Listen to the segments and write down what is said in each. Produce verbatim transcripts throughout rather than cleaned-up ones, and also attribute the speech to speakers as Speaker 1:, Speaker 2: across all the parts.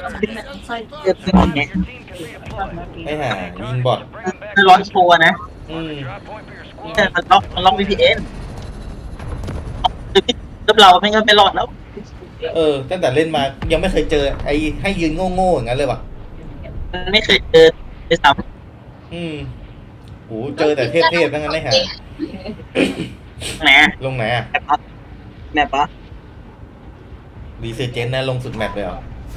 Speaker 1: เกิดขึ้นอย่างเงี้ย
Speaker 2: ไอ้ห่ายิงบอท
Speaker 1: คือร้อนโชว์นะ
Speaker 2: อืม
Speaker 1: แต่มันล็อกมันล็อก วี พี เอ็น คือกับเราไม่งั้นไม่รอดแล้ว
Speaker 2: เออตั้งแต่เล่นมายังไม่เคยเจอไอ้ให้ยืนโง่ๆอย่างนั้นเลยว่ะ
Speaker 1: มันไม่เคยเจอไปซ้
Speaker 2: อืมโหเจอแต่เทพๆทั้งนั้นไอ้ห่า
Speaker 1: ำไหน
Speaker 2: ลงไหนอะ
Speaker 1: แมปปะแมปปะ
Speaker 2: รีเซเจนนะลงสุดแมปเลยเหรอ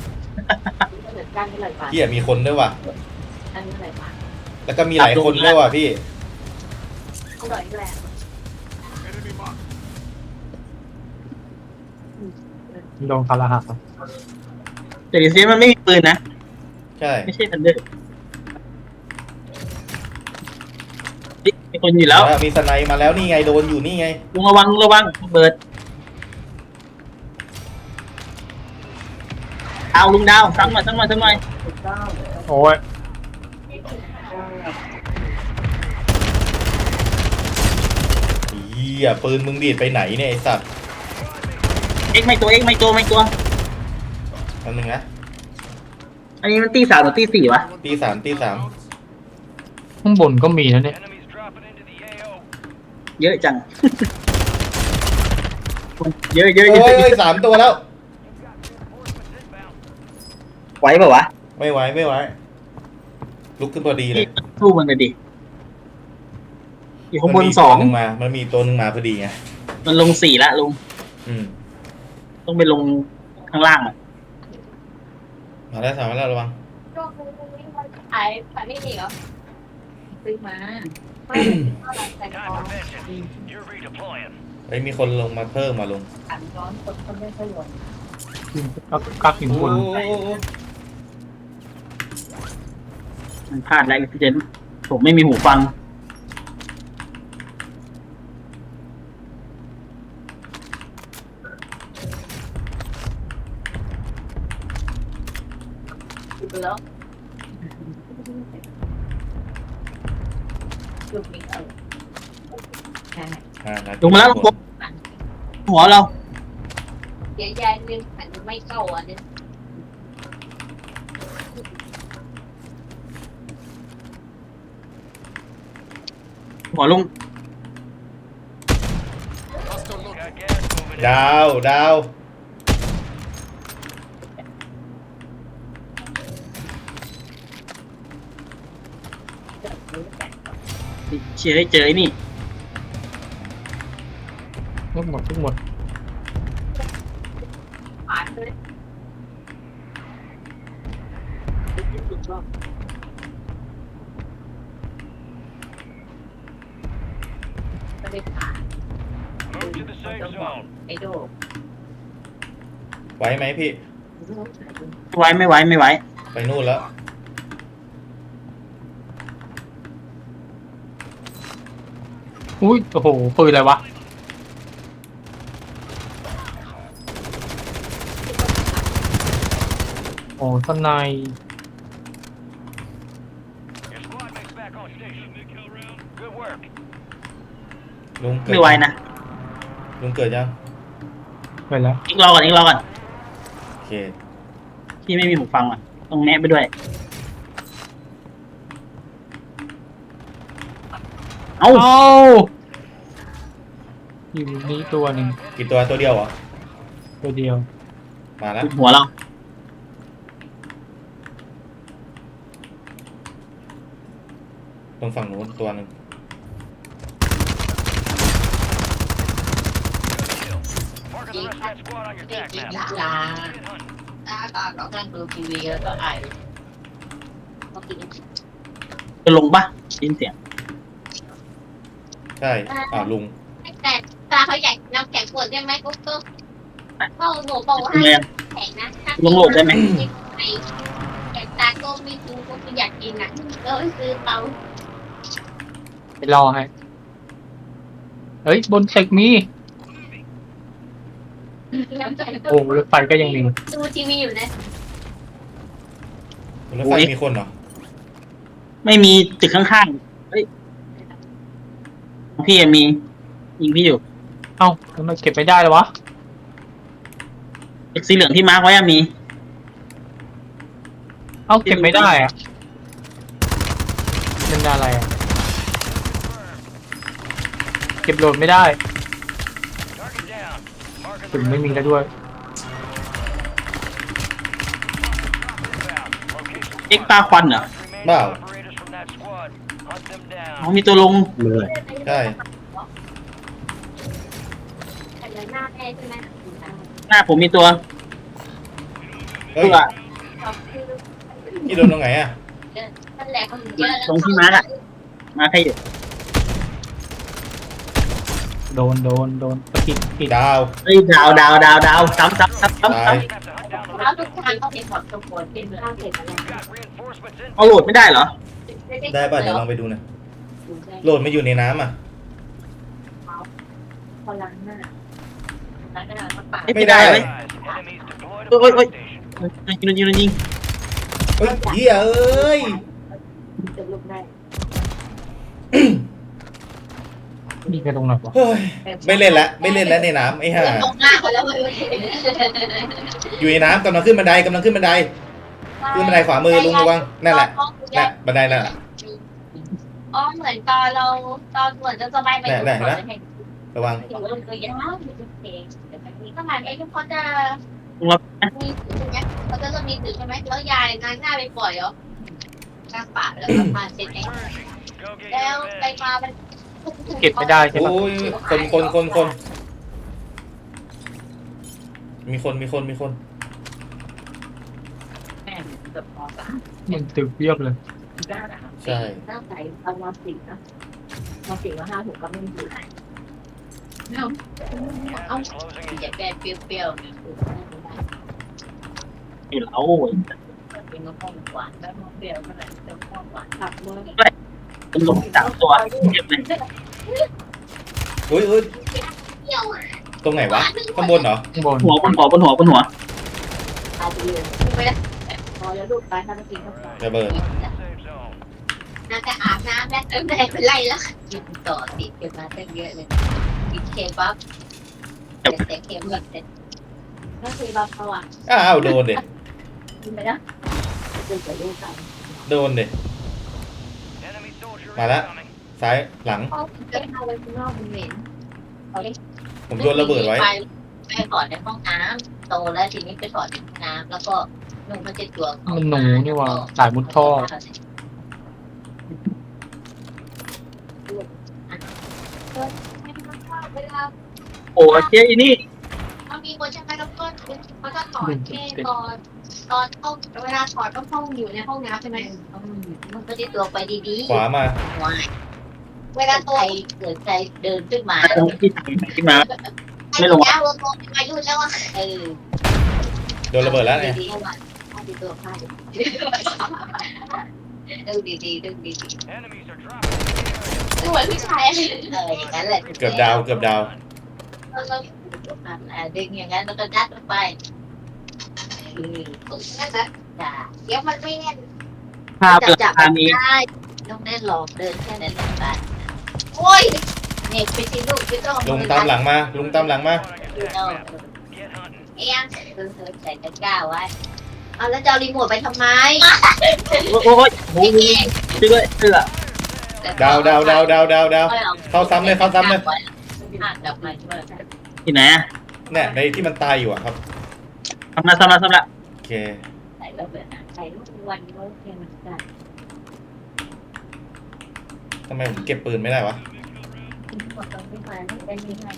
Speaker 2: พี่อะมีคนด้วยว่ะแล้วก็มีหลายคนด้วยว่ะพี่
Speaker 3: โดนคาราหัก
Speaker 1: แต่ดิซิมันไม่มีปืนนะ
Speaker 2: ใช่
Speaker 1: ไม่ใช่ทันเดอร์มีคนอยู่แล้ว
Speaker 2: มีสไนมาแล้วนี่ไงโดนอยู่นี่ไง
Speaker 1: ลุงระวังระวังเบิดเอาลุงดาวซ้ำมาซ้ำมาซ้ำมา
Speaker 3: โอ้ย
Speaker 2: เฮียปืนมึงดีดไปไหนเนี่ยไอสัตว์
Speaker 1: เอ็กไม่ตัวเอ็กไม่ตัวไม่ตัว
Speaker 2: อันนึงนะ
Speaker 1: อันนี้มันตีสามหรือตีสี่วะ
Speaker 2: ตีสามตีสาม
Speaker 3: ข้างบนก็มีนะเนี่ย
Speaker 1: เยอะจังเยอะเยอะเย
Speaker 2: โอ้
Speaker 1: อะ
Speaker 2: ยสามตัวแล้ว
Speaker 1: ไหวเปล่าวะ
Speaker 2: ไม่ไหวไม่ไหวลุกขึ้นพอดีเลย
Speaker 1: สู้มันเลยดิอยู่ข้างบนสอง
Speaker 2: มามันมีตัวนึงมาพอดีไง
Speaker 1: มันลงสี่ละลุง
Speaker 2: อืม
Speaker 1: ต้องไปลงข้างล่างอ่ะ
Speaker 2: มาแล้วสามมาแล้วระวัง
Speaker 4: ขายขายไม่ดีเหรอซื้อมาไม่ใส่กอง
Speaker 2: เฮ้ยมีคนลงมาเพิ่มมาลง
Speaker 4: ขันร้อนคนคนไม่ค่อยรวย
Speaker 3: กักกักหินบน
Speaker 1: มันพลาดอะไรพี่เจนผมไม่มีหูฟัง
Speaker 4: แล้วลูกนี้เออใช่
Speaker 1: ลงมาแล้วลงหัวเรา
Speaker 4: เดี๋ยวยายนึงขันไม่เข้าอ่ะนึง
Speaker 1: หัวลุง
Speaker 2: ดาวดาว
Speaker 1: เชียร์ให้เจอไอ้นี่
Speaker 3: ทุกหมดทุกหมด
Speaker 4: ผ่านเลยไม่ได้ผ่านไอ้โด
Speaker 2: ไหวไหมพี่
Speaker 1: ไว้ไม่ไว้ไม่ไว้
Speaker 2: ไปนู่นแล้ว
Speaker 3: อุ้ยโอ้โหปืนอะไรวะโอ้ทนาย
Speaker 2: ลุง
Speaker 1: ไม่ไว้นะ
Speaker 2: ลุงเกิดยัง
Speaker 3: ไปแล้ว
Speaker 1: อีกรอก่อนอีกรอก่อน
Speaker 2: โอเค
Speaker 1: พี่ไม่มีหูฟังอ่ะต้องแนะไปด้วยเอา
Speaker 3: เอาอยู่นี้ตัวหนึ่ง
Speaker 2: กี่ตัวตัวเดียวเหรอ
Speaker 3: ตัวเดียว
Speaker 2: มาแล้ว
Speaker 1: หัวเรา
Speaker 2: ตรงฝั่งนู้นตัวหนึ่ง
Speaker 4: ยิงยิงลาลาตาก็นั่งดูทีวีแล้วก็ไอ
Speaker 1: จะลงปะยินเสียง
Speaker 2: ใช่อ่าลุง
Speaker 4: แต่ตาเขาใหญ่น้ำแข็งขวดได้ไหมกุ๊กกุ๊กเขาหนูบอกให้แข็งนะ
Speaker 1: ลงโหลดได้ไหม
Speaker 4: แต่ตาก็ไม่กินก็ไม่อยากกินอ่ะก็ซื้อเตา
Speaker 3: ไปรอให้เฮ้ยบนตึกมีโอ้รถไฟก็ยังมี
Speaker 4: ดูทีวีอยู่นะ
Speaker 2: รถไฟมีคนเหรอ
Speaker 1: ไม่มีตึกข้างๆเฮ้ยพี่มียิงพี่อยู่
Speaker 3: เอ้าทำไมเก็บไม่ได้เลยวะ
Speaker 1: ตึกสีเหลืองที่มาร์คไว้มี
Speaker 3: เอ้าเก็บไม่ได้อะเป็นอะไรอะเก็บโหลดไม่ได้ถึงไม่มีแล้วด้วย
Speaker 1: เอ็กปลาควันเหรอ
Speaker 2: เปล่า
Speaker 1: เขามีตัวลง
Speaker 5: เลย
Speaker 2: ใช่
Speaker 4: หน้าแม่ใช่ไหม
Speaker 1: หน้าผมมีตัว
Speaker 2: เฮ้ย
Speaker 1: ตัว
Speaker 2: ที่โดนตรงไหนอ่ะ
Speaker 4: นั่นแหละคนเยอะ
Speaker 1: ตรงที่มาร์กอะมาใครอยู่
Speaker 3: โดนโดนโดนตะกิดกิด
Speaker 2: ดาว
Speaker 1: เฮ้ยดาวดาวดาวดาวซ้ำซ้ำซ้ำซ้ำ
Speaker 2: ตาย
Speaker 1: ซ้ำ
Speaker 4: แล้วทุกทางเขาเป็นหมดทุกคนเป็นข้าวเสร็จอะไร
Speaker 1: เอาโหลดไม่ได้เหรอ
Speaker 2: ได้ป่ะเดี๋ยวลองไปดูหนะโหลดมาอยู่ในน้ำอ่ะ
Speaker 4: พอล้างหน้าล้างหน้ามาปาด
Speaker 2: ไม่ได้
Speaker 1: ไหมโอ้ยโอ้ยโอ้ยยิงยิงยิง
Speaker 2: เฮ้ยเหี้ยเอ้ย
Speaker 4: จะลุกได้
Speaker 3: มีกันตรงไหนวะ
Speaker 2: เฮ้ยไม่เล่นละไม่เล่นแล้วในน้ำไอ้ห่า
Speaker 4: ตรงหน้าเขาแล้วมัน
Speaker 2: อยู่ในน้ำกำลังขึ้นบันไดกำลังขึ้นบันไดขึ้นบันไดขวามือลุงระวังนั่นแหละนั่นบันไดนั่นแหละ
Speaker 4: อ๋อเหมือนตอนเราตอนเหมือนจะสบายไป
Speaker 2: ระวัง
Speaker 4: ถือว่าตัวยาวมีเพลงแต่บางทีก็มาไอ้ทุกคนจะ
Speaker 1: ลุงรับ
Speaker 4: มีถือใช่ไหมเขาจะมีถือใช่ไหมแล้วยายนางหน้าไปปล่อยเหรอข้างป่าแล้วก็พาเช็ดเองแล้วไปมามัน
Speaker 3: เก็บไม่ได้ใช่ปะ
Speaker 2: โอ้ยคนคนคนคนมีคนมีคนมีคน
Speaker 4: แม่เกือบพอสาม
Speaker 3: มันตึกเรียบเลย
Speaker 2: ใช่
Speaker 4: ตั้งใจเอามาสี่นะมาสี่มาห้าถูกก็ไม่มีไหนเอาเอาอย่าแกเปรี้ยวๆ
Speaker 1: อยู่แล้ว
Speaker 4: เป็นมะม่วงหวานแล้วมะเปรี้ยวเมื่อไหร่จะมะม่วงหวานผักเลย
Speaker 1: เป็นลงสามตัวเก็บเลย
Speaker 2: อุ้ยอุ้ย
Speaker 4: เปรี้ยว
Speaker 2: ตรงไหนวะข้างบนเหรอ
Speaker 3: ข้างบน
Speaker 1: หัวบนหัวบนหัวบนหัว
Speaker 4: ตายไปเลยไม่ได้พอแล้วลูกตายถ้าไม่กินก็พอ
Speaker 2: ระเบิด
Speaker 4: น่าจะอาบน้ำแล้วแม่เป็นไรแล้วกินต่อติดกันมาตั้งเยอะเลยกินเคบับแต่เคบับเสร็จก็เคบับเขาอ่ะ
Speaker 2: อ้าวโดนเด็
Speaker 4: กินไปนะดูกับลูกกัน
Speaker 2: โดนเด็มาแล้วซ้ายหลัง
Speaker 4: เขาจะเอาไว้ข้างนอกมันเหม็นเขาเรียก
Speaker 2: ผมโยนระเบิดไว้
Speaker 4: ไปถอดในห้องน้ำโตแล้วทีนี้ไปถอดในห้องน้ำแล้วก็นุ่งมันจะตัว
Speaker 3: มันหนูนี่ว่าสายมุดท่อ
Speaker 4: เวลา
Speaker 1: โอ้เจ๊อีนี่
Speaker 4: เขามีคนใช่ไหมแล้วก็เขาจะถอดแค่ตอนตอนเข้าเวลาถอดก็ห้องอยู่ในห้องน้ำใช่ไหมมันก็จะตัวไปดี
Speaker 2: ขวามา
Speaker 4: ๆเวลาตัวเกิดใจเดินขึ้นมา
Speaker 1: ตรงที่ทำที่มา ไม่ลง
Speaker 4: แล้วตัวอายุแล้วอ่ะเออ
Speaker 2: โดนระเบิดแล้วเนี่ย
Speaker 4: ดีๆเอาดีตัวพลาดดูดีๆดูดีๆดูเหมือนผู้ชายเอออย่างนั้นแหละ
Speaker 2: เกือบดาวเกือบดาว
Speaker 4: แล้วก็ดึงอย่างนั้นแล้วก็ยัดลงไปอืมนั่นนะจ้ะเดี๋ยวมันไม่แน่น
Speaker 1: ภาพราคานี้
Speaker 4: ได้ต้องแน่นหลอกเดินแค่นั้นแหละบ้านโอ้ยเน็ตไปสิลูกไม่ต้อง
Speaker 2: ลุงตามหลังมาลุงตามหลังมา
Speaker 4: เอียงเออใส่ตะกร้าไว้เอาแล้วจะเอารีโมทไปทำไม
Speaker 1: โอ้โหโอ้โหช่วยด้วยเสื้อ
Speaker 2: ดาวดาวดาวดาวดาวดาวเข้าซ้ำเลยเข้าซ้ำเลย
Speaker 4: กลับมาด้วย
Speaker 1: ที่ไหนอะ
Speaker 2: เนี่ยในที่มันตายอยู่อะครับ
Speaker 1: ทำละทำละทำละ
Speaker 2: โอเค
Speaker 4: ใส่แล้วเบิดใส่ลูกวันก็เพียงเหมือนกัน
Speaker 2: ทำไมผมเก็บปืนไม่ได้วะ
Speaker 4: หมดตรงที่มาไม่ได้มีใคร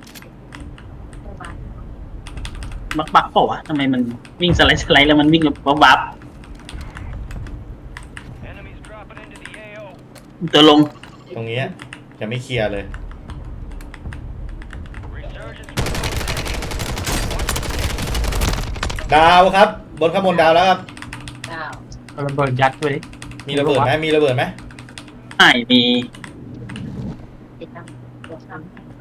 Speaker 1: บักบักเปล่าวะทำไมมันวิ่งสไลด์สไลด์แล้วมันวิ่งแบบวับตัวลง
Speaker 2: ตรงนี้ยังไม่เคลียร์เลยดาวครับ บนข้างบนดาวแล้วครับ
Speaker 4: เก้า
Speaker 3: เอาระเบิดยัดไว้ดิ
Speaker 2: มีระเบิดไหมมีระเบิดไหม
Speaker 1: ไม่มี
Speaker 4: ติดตามตัวทำ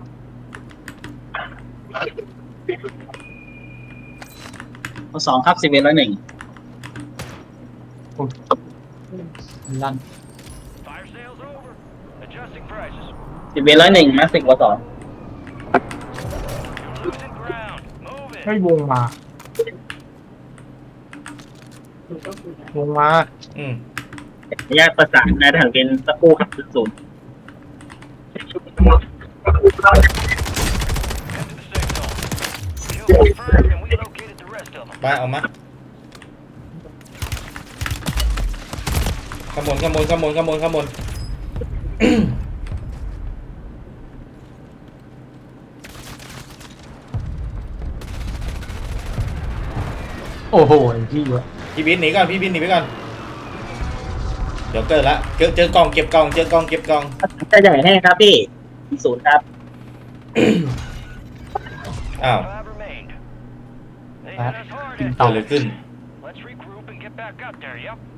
Speaker 1: ข้อสองครับสิบเอ็ดร้อยหนึ่ง
Speaker 3: ลั่น
Speaker 1: สิบเอ็ดร้อยหนึ่งมาสิบกว่าสอง
Speaker 3: ให้วงมาลงมา
Speaker 2: อืม
Speaker 1: แยกประสานนายทหารเป็นตะปูขับศูนย์
Speaker 2: ไปออกมาขโมยขโมยขโมยขโมยขโมย
Speaker 3: โอ้โหพี่วะ
Speaker 2: พี่บินหนีก่อนพี่บินหนีไปก่อนเดี๋ยวเกิดละเจอเจอกล่องเก็บกล่องเจอกล่องเก็บกล่อง
Speaker 1: จะใหญ่แห้งครับพี่ศูนย์ครับ
Speaker 2: อ้าว
Speaker 3: กิน
Speaker 2: เกิ
Speaker 3: ต่อ
Speaker 2: ดอะไรขึ้น
Speaker 5: Let's regroup and get back up there, yep.